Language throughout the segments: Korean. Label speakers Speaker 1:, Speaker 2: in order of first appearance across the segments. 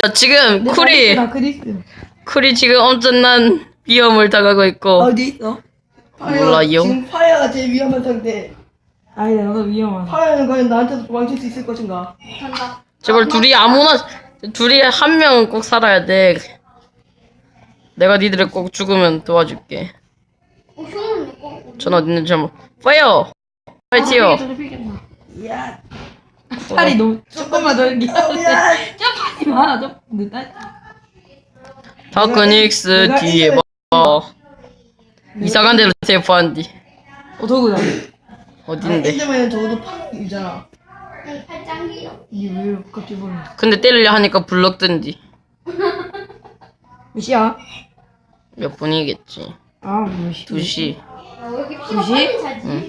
Speaker 1: 지금
Speaker 2: 나 그리스.
Speaker 1: 쿨이 지금 엄청난 위험을 당하고 있고.
Speaker 2: 어디 있어?
Speaker 1: 몰라요.
Speaker 3: 지금 파야가 제일 위험한 상태.
Speaker 2: 아니 나도 위험하다.
Speaker 3: 파야는 과연 나한테도 도망칠 수 있을 것인가?
Speaker 4: 간다.
Speaker 1: 제발 둘이 한 명은 꼭 살아야 돼. 내가 니들을 꼭 죽으면 도와줄게.
Speaker 4: 형은 꼭.
Speaker 1: 전 어디 있는지 한번. 파이어! 파이티어!
Speaker 3: 야,
Speaker 2: 팔이 너무 조금만 더 이렇게.
Speaker 3: 야.
Speaker 2: 저 팔이 많아 좀. 늦다.
Speaker 1: 다크닉스
Speaker 3: 내가
Speaker 1: 뒤에 봐. 이상한 데로 대포한디.
Speaker 2: 도구다.
Speaker 1: 어딘데?
Speaker 3: 엔더맨은 적어도 팔이잖아.
Speaker 4: 팔짱기요.
Speaker 2: 이게 왜 갑자기 보는?
Speaker 1: 근데 때리려 하니까 블럭 뜬디.
Speaker 2: 몇 시야?
Speaker 1: 몇 분이겠지.
Speaker 2: 아, 몇 시?
Speaker 1: 2시.
Speaker 4: 왜 이렇게 피가
Speaker 2: 두시?
Speaker 4: 빨리 차지?
Speaker 1: 응.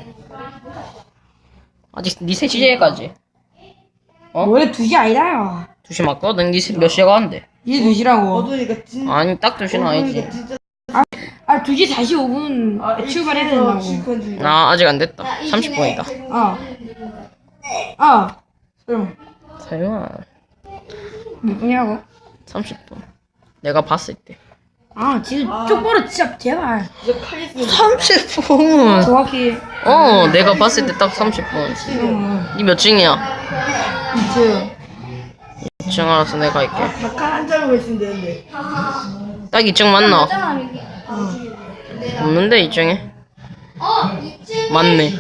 Speaker 1: 아직 니 3시에까지. 어?
Speaker 2: 원래 2시 아니라요. 2시
Speaker 1: 2시 맞거든? 니 몇 시에 가는데?
Speaker 2: 이게 2시라고.
Speaker 3: 어두니까 진짜.
Speaker 1: 아니 딱 2시는 아니지.
Speaker 3: 진짜.
Speaker 2: 아, 2시 45분 출발해야 된다고.
Speaker 3: 실컷 중이다.
Speaker 1: 나 아직 안 됐다.
Speaker 4: 나 이
Speaker 1: 30분이다.
Speaker 4: 중에
Speaker 2: 아. 아. 그럼
Speaker 1: 설마.
Speaker 2: 몇 분이라고?
Speaker 1: 30분. 내가 봤을 때.
Speaker 2: 아, 지금 쪽보로 진짜 제발.
Speaker 3: 진짜 칼 있으면.
Speaker 1: 30분!
Speaker 2: 정확히
Speaker 1: 내가 봤을 때 딱 30분.
Speaker 2: 지금
Speaker 1: 니 몇 층이야?
Speaker 2: 2층.
Speaker 1: 2층 알아서 내가 할게.
Speaker 3: 다칼한 장으로 있으면 되는데.
Speaker 1: 딱 2층 맞나?
Speaker 4: 맞잖아, 여기.
Speaker 1: 없는데 2층에?
Speaker 4: 2층에.
Speaker 1: 맞네.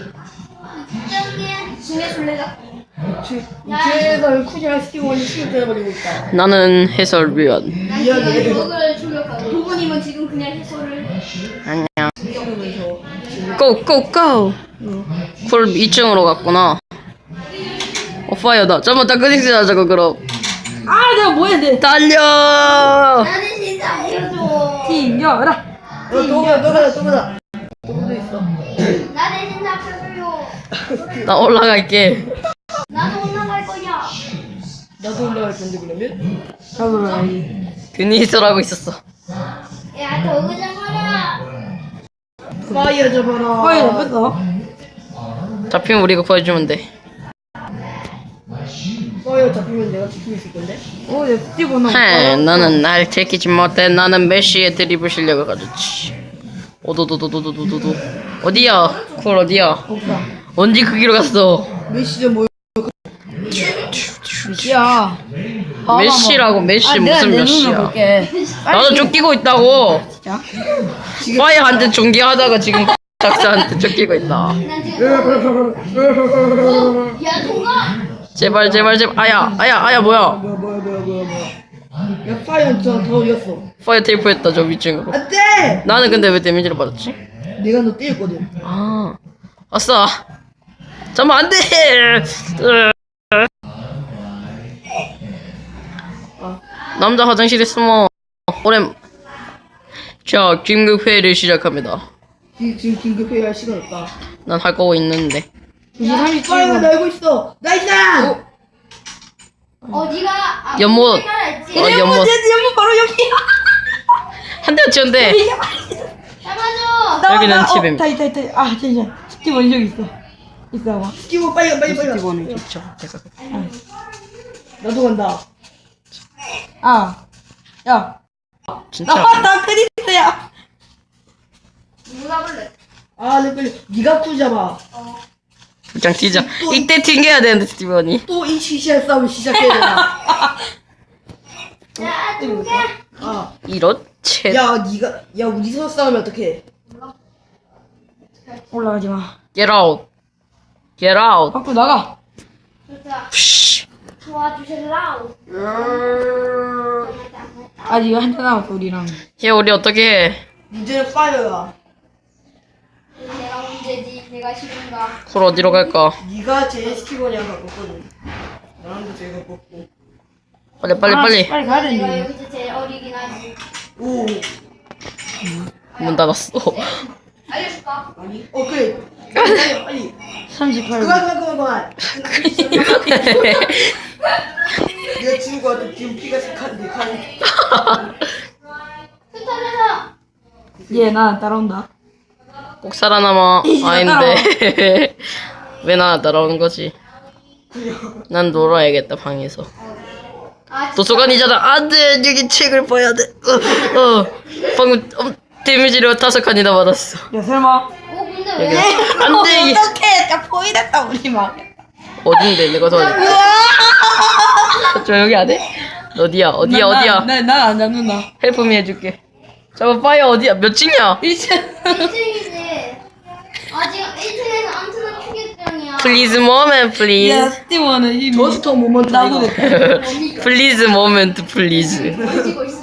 Speaker 4: 2층에 술래가.
Speaker 3: 2층에서 쿠지랑 스티븐이 시간 때려버리고 있다.
Speaker 1: 나는 해설위원.
Speaker 4: 난 지금 적을 출력하고. 도구님은 지금 그냥 해소를.
Speaker 1: 안녕.
Speaker 3: 이러면서.
Speaker 1: 고! 쿨 2층으로 갔구나. 파이어다. 잠깐만 다크닉스 하자고 그럼.
Speaker 2: 아, 내가 뭐 해야 돼?
Speaker 1: 달려!
Speaker 4: 나는 진짜 알려줘.
Speaker 2: 튕겨라.
Speaker 3: 또 가자. 또도 있어.
Speaker 4: 나 대신 잡혀줘요.
Speaker 1: 나 올라갈게.
Speaker 4: 나도 올라갈 거야.
Speaker 3: 나도 올라갈 건데 그러면?
Speaker 2: 잡으라.
Speaker 1: 드니스라고 있었어.
Speaker 4: 야, 도구 잡아라.
Speaker 3: 파이어 잡아라.
Speaker 2: 파이 잡혔어?
Speaker 1: 잡히면 우리가 구해주면 돼.
Speaker 3: 파이어 잡히면 내가 지키고 있을 건데?
Speaker 2: 오, 내 스티브 나.
Speaker 1: 나는 날 제끼지 못해. 나는 메시의 드리블 실력을 가졌지. 오도도도도도도도. 어디야? 쿨 어디야?
Speaker 2: 없다.
Speaker 1: 언제 그 길로 갔어?
Speaker 3: 메시전 뭐?
Speaker 2: 몇시야?
Speaker 1: 메시라고 메시
Speaker 2: 내가
Speaker 1: 무슨
Speaker 2: 내
Speaker 1: 몇
Speaker 2: 눈으로
Speaker 1: 시야?
Speaker 2: 볼게.
Speaker 1: 나도 쫓기고 있다고.
Speaker 2: 진짜?
Speaker 1: 파이어한테 존경하다가 지금 작사한테 쫓기고 있다.
Speaker 4: 난 지금. 야, 통과.
Speaker 1: 제발. 아야 뭐야?
Speaker 3: 뭐야. 야 파이어 더 어디갔어?
Speaker 1: 파이어 테이프했다 저 위층으로.
Speaker 3: 안돼!
Speaker 1: 나는 근데 왜 데미지를 받았지?
Speaker 3: 내가 너 때렸거든.
Speaker 1: 아, 아싸. 잠깐만 안 돼. 남자 화장실에 숨어. 자, 긴급 회의를 시작합니다.
Speaker 3: 지금 긴급 회의할 시간 없다.
Speaker 1: 난 할 거고 있는데.
Speaker 2: 2시
Speaker 3: 파이어가
Speaker 2: 37분.
Speaker 3: 날고 있어. 나이스!
Speaker 4: 어디가?
Speaker 1: 연못.
Speaker 4: 알았지?
Speaker 1: 연못.
Speaker 2: 연못 바로 여기야.
Speaker 1: 한 대 맞췄는데.
Speaker 4: 잡아줘.
Speaker 1: 여기는 집입니다.
Speaker 2: 다. 아, 잠시만. 스티브 여기 있어. 있어 봐.
Speaker 3: 스티브 빨리 가.
Speaker 1: 스티븐은 있죠.
Speaker 3: 나도 간다.
Speaker 2: 아. 야.
Speaker 1: 진짜.
Speaker 2: 나 크리스야.
Speaker 4: 누구 잡을래?
Speaker 3: 아, 내 빨리. 네가 쿠 잡아.
Speaker 1: 부장 뛰자. 이때 튕겨야 되는데 스티븐이.
Speaker 3: 또 이 시시한 싸움 시작해야 되나?
Speaker 4: 야, 중계.
Speaker 3: 아,
Speaker 1: 이런 채.
Speaker 3: 야, 우리서 싸우면 어떡해?
Speaker 2: 올라가지 마.
Speaker 1: Get out. Get out.
Speaker 2: 밖으로 나가.
Speaker 4: 좋다.
Speaker 1: 푸쉬.
Speaker 4: 도와주실라우.
Speaker 2: 아직 한잔 남았어 우리랑.
Speaker 1: 얘 우리 어떻게 해?
Speaker 3: 문제는 파이어야.
Speaker 4: 내가 문제지. 내가 싫은가?
Speaker 1: 쿨 어디로 갈까?
Speaker 3: 네가 제일 스티브랑 바꿨거든. 나랑도 제일 바꿨고.
Speaker 1: 빨리.
Speaker 2: 빨리 가야
Speaker 4: 내가
Speaker 2: 되는데.
Speaker 4: 여기서 제일 어리긴 하지.
Speaker 3: 오,
Speaker 1: 문 닫았어.
Speaker 4: 알려줄까?
Speaker 3: 아니? 그래. 빨리.
Speaker 2: 38분.
Speaker 3: 그만. 내가 지우고 왔더니 지금 피가 색한데 칸.
Speaker 4: 흩어져서.
Speaker 2: 얘 나 따라온다.
Speaker 1: 꼭 살아남아. 아닌데. 왜 나 따라오는 거지? 난 놀아야겠다 방에서. 도서관이잖아. 안돼, 여기 책을 봐야 돼. 방금 데미지를 5칸이나 받았어.
Speaker 2: 야 설마.
Speaker 4: 근데
Speaker 1: 여기.
Speaker 4: 왜?
Speaker 1: 안돼.
Speaker 2: 어떡해? 딱 보이랬다 우리 막.
Speaker 1: 어딘데 내가 더. 저 여기 안 해? 어디야?
Speaker 2: 나안 잡는다.
Speaker 1: 헬프미 해줄게. 잠깐 파이어 어디야? 몇 층이야?
Speaker 2: 1층.
Speaker 4: 1층이지. 지금 1층에서 엄청난 충격병이야.
Speaker 1: Please moment,
Speaker 2: 야
Speaker 1: please.
Speaker 2: 스티브는 이
Speaker 3: 저스터 모먼트
Speaker 2: 나고
Speaker 3: 아이가.
Speaker 1: Please moment, please.
Speaker 4: 가지고 있어.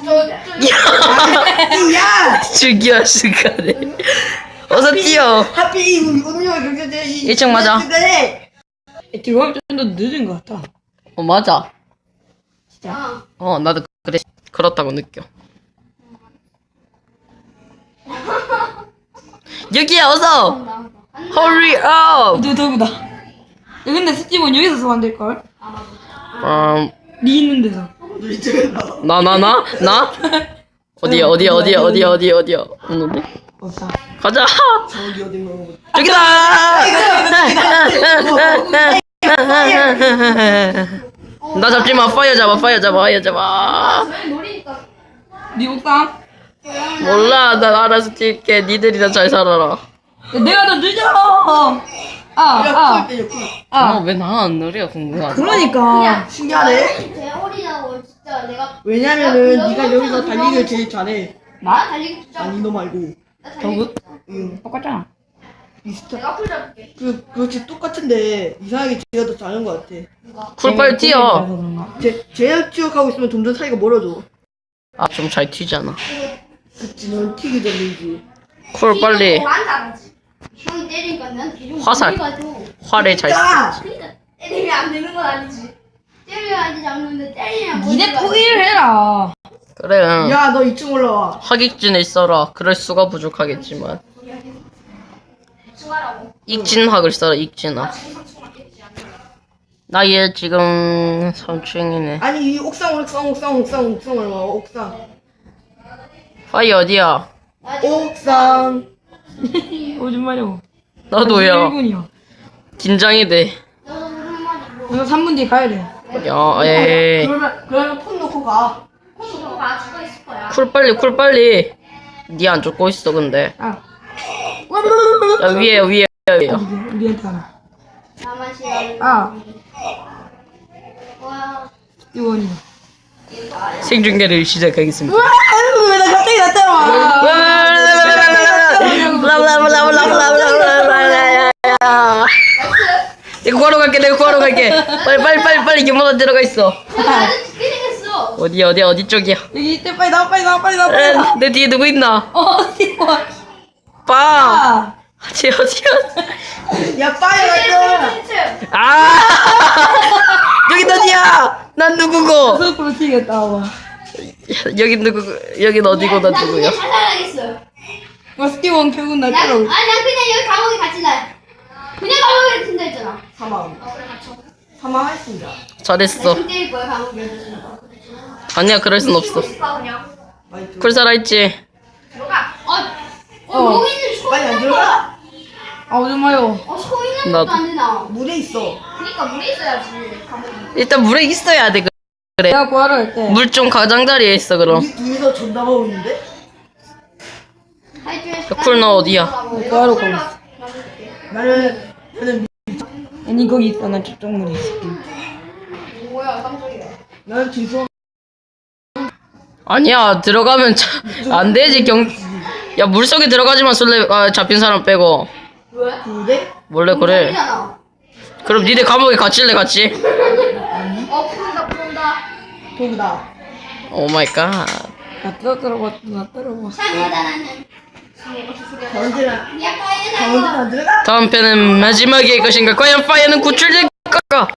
Speaker 3: 야!
Speaker 1: 죽여 시간에. 어서 뛰어.
Speaker 3: 하필 이 운명을 경제제 이
Speaker 1: 1층 맞아.
Speaker 2: 들어가면 좀 더 늦은 것 같아.
Speaker 1: 맞아.
Speaker 4: 어.
Speaker 1: 나도 그래. 그렇다고 느껴. 여기야, 어서. Hurry up.
Speaker 2: 너구다. 야 근데 스티브는 여기서 소환 될 걸? 니 있는 데서.
Speaker 1: 나? 어디야? 없는데?
Speaker 2: 없다.
Speaker 1: 가자.
Speaker 3: 저기 어딘가 보고.
Speaker 1: 저기다. 나 잡지 마. 파이어 잡아.
Speaker 4: 저희 노리니까.
Speaker 2: 니 옥상?
Speaker 1: 몰라. 난 알아서 뛸게. 니들이나 잘 살아라.
Speaker 2: 야, 내가 더 늦어.
Speaker 3: 야, 쿨 때려, 쿨.
Speaker 1: 왜 나 안 노려? 궁금하다.
Speaker 2: 그러니까.
Speaker 3: 신기하네.
Speaker 4: 대어리라고 진짜 내가.
Speaker 3: 왜냐면은 네가 여기서 달리기를 제일 잘해.
Speaker 4: 나 달리기 진짜.
Speaker 3: 아니 너 말고.
Speaker 4: 나 달리기.
Speaker 3: 응.
Speaker 2: 똑같잖아.
Speaker 3: 비슷해.
Speaker 4: 내가 풀 잡을게.
Speaker 3: 그렇지 똑같은데 이상하게 쟤가 더 잘하는 것 같아.
Speaker 1: 쿨 빨리 뛰어.
Speaker 3: 쟤랑 추격하고 있으면 점점 사이가 멀어져.
Speaker 1: 좀 잘 튀잖아.
Speaker 3: 그치 넌 튀기 전이지.
Speaker 1: 쿨 빨리.
Speaker 4: 안 잘하지. 형이 때리니까 난 계속
Speaker 1: 화살.
Speaker 4: 놀려가지고.
Speaker 1: 활에 잘
Speaker 3: 야!
Speaker 4: 그러니까 때리면 안 되는 건 아니지. 때려야지 잡는데 때리면
Speaker 2: 니네 포기를 해라.
Speaker 1: 그래. 응.
Speaker 3: 야 너 2층 올라와.
Speaker 1: 학익진을 써라. 그럴 수가 부족하겠지만.
Speaker 4: 수가라고.
Speaker 1: 익진학을 써라. 익진학. 나 얘 지금 3층이네.
Speaker 3: 아니 이 옥상 올라와 옥상.
Speaker 1: 파이어 어디야?
Speaker 3: 옥상.
Speaker 2: 오줌 마려워.
Speaker 1: 나도야.
Speaker 2: 1분이야.
Speaker 1: 긴장이 돼.
Speaker 4: 너도 한마디 뭐.
Speaker 2: 내가 3분 뒤에 가야 돼.
Speaker 1: 야, 에이.
Speaker 3: 그러면 폰 놓고 가.
Speaker 4: 너도 다 죽어 있을 거야.
Speaker 1: 쿨 빨리. 니 안 죽고 있어 근데.
Speaker 2: 아.
Speaker 1: 야 위에.
Speaker 2: 우리한테 하나.
Speaker 4: 나만 싫어하는.
Speaker 2: 아.
Speaker 4: 와.
Speaker 2: 이원이.
Speaker 1: 생중계를 시작하겠습니다.
Speaker 2: 왜 나 갑자기 나타나?
Speaker 1: 내가 구하러 갈게. 빨리 유모가 들어가 있어.
Speaker 4: 아주 죽게 생겼어.
Speaker 1: 어디 쪽이야?
Speaker 2: 여기 이때 빨리 나와.
Speaker 1: 내 뒤에 누구 있나?
Speaker 2: 스티브.
Speaker 1: 빠.
Speaker 2: 아.
Speaker 1: 어디야?
Speaker 3: 야 파이어 갔다.
Speaker 1: 아! 여긴 어디야? 난 누구고?
Speaker 2: 서프로 튀겠다. 와.
Speaker 1: 여긴 어디고 난
Speaker 4: 나
Speaker 1: 누구야?
Speaker 4: 그냥 자살하겠어.
Speaker 2: 스티브 결국 날
Speaker 4: 난
Speaker 2: 따라올.
Speaker 4: 그냥 여기 감옥에 갇힌다. 그냥 감옥에 갇힌다 했잖아.
Speaker 3: 사망.
Speaker 4: 그래 갇혀.
Speaker 3: 사망했습니다.
Speaker 1: 잘했어.
Speaker 4: 나 때릴 거야 감옥에 갇힌다.
Speaker 1: 아니야, 그럴 순 없어.
Speaker 4: 그냥.
Speaker 3: 많이
Speaker 1: 쿨 살아있지?
Speaker 4: 들어가.
Speaker 2: 어.
Speaker 4: 여기 있는 소
Speaker 3: 빨리 안
Speaker 4: 있는
Speaker 3: 들어가.
Speaker 2: 아 오줌 마려워.
Speaker 4: 소 있는
Speaker 1: 나도.
Speaker 4: 것도 안 되나.
Speaker 3: 물에 있어.
Speaker 4: 그러니까 물에 있어야지 감옥에.
Speaker 1: 일단 물에 있어야 돼.
Speaker 2: 내가 구하러 갈 때.
Speaker 1: 물 좀 가장자리에 있어 그럼.
Speaker 3: 우리 둘이서 전담하고 있는데?
Speaker 1: 쿨 너 어디야?
Speaker 2: 구하러 가고 있어.
Speaker 3: 나는
Speaker 2: 아니 거기 있어. 난 저쪽 문에 있을게.
Speaker 4: 뭐야 깜짝이야.
Speaker 3: 나는 죄송.
Speaker 1: 아니야, 들어가면 안 되지. 야, 물속에 들어가지만 술래 잡힌 사람 빼고.
Speaker 4: 왜?
Speaker 3: 근데
Speaker 1: 원래 그래.
Speaker 4: 잖아.
Speaker 1: 그럼 니네 감옥에 갇힐래 같이?
Speaker 4: 푼다.
Speaker 3: 도구다.
Speaker 1: 오 마이 갓.
Speaker 2: 나 떨어봐.
Speaker 4: 참 대단하는.
Speaker 3: 언제나
Speaker 4: 야 파이어
Speaker 3: 언제나 안 들어가.
Speaker 1: 다음 편은 마지막일 것인가? 과연 파이어는 구출될까?